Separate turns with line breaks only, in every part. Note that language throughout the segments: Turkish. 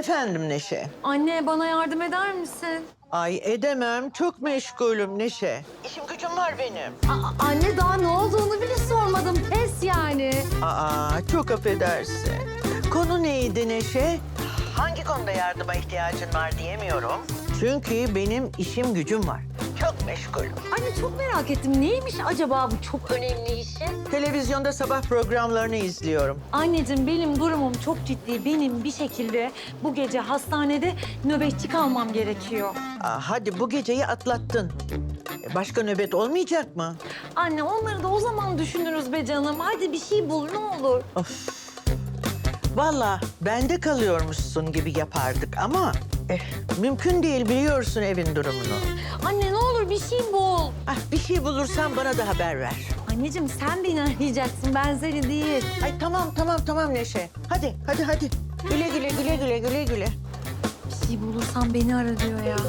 Efendim Neşe.
Anne bana yardım eder misin?
Ay edemem, çok meşgulüm Neşe. İşim gücüm var benim.
Anne daha ne olduğunu bile sormadım. Pes yani.
Çok affedersin. Konu neydi Neşe? Hangi konuda yardıma ihtiyacın var diyemiyorum. Çünkü benim işim gücüm var. Çok meşgulüm.
Anne çok merak ettim. Neymiş acaba bu çok önemli işi?
Televizyonda sabah programlarını izliyorum.
Anneciğim benim durumum çok ciddi. Benim bir şekilde bu gece hastanede nöbetçi kalmam gerekiyor.
Hadi bu geceyi atlattın. Başka nöbet olmayacak mı?
Anne onları da o zaman düşünürüz be canım. Hadi bir şey bul ne olur.
Vallahi bende kalıyormuşsun gibi yapardık ama... mümkün değil, biliyorsun evin durumunu.
Anne ne olur bir şey bul.
Bir şey bulursan bana da haber ver.
Anneciğim sen beni arayacaksın ben seni değil.
Ay tamam Neşe. Hadi. Güle güle.
Bir şey bulursan beni ara diyor ya.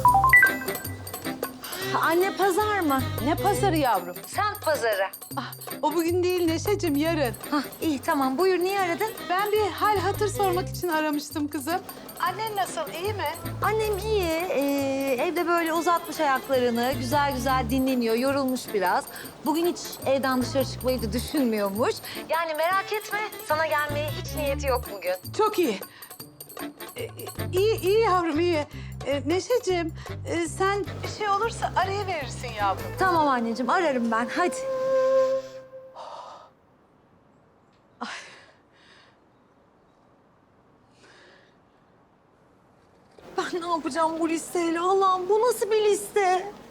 Anne pazar mı?
Ne pazarı yavrum?
Sen pazarı.
O bugün değil Neşeciğim, yarın.
Hah iyi tamam buyur niye aradın?
Ben bir hal hatır sormak için aramıştım kızım. Annen nasıl, iyi mi?
Annem iyi. Evde böyle uzatmış ayaklarını. Güzel güzel dinleniyor. Yorulmuş biraz. Bugün hiç evden dışarı çıkmayı da düşünmüyormuş. Yani merak etme. Sana gelmeye hiç niyeti yok bugün.
Çok iyi. İyi yavrum, iyi. Neşeciğim, sen bir şey olursa arayıverirsin yavrum.
Tamam anneciğim ararım ben. Hadi. Ben ne yapacağım bu listeyle? Allah'ım bu nasıl bir liste?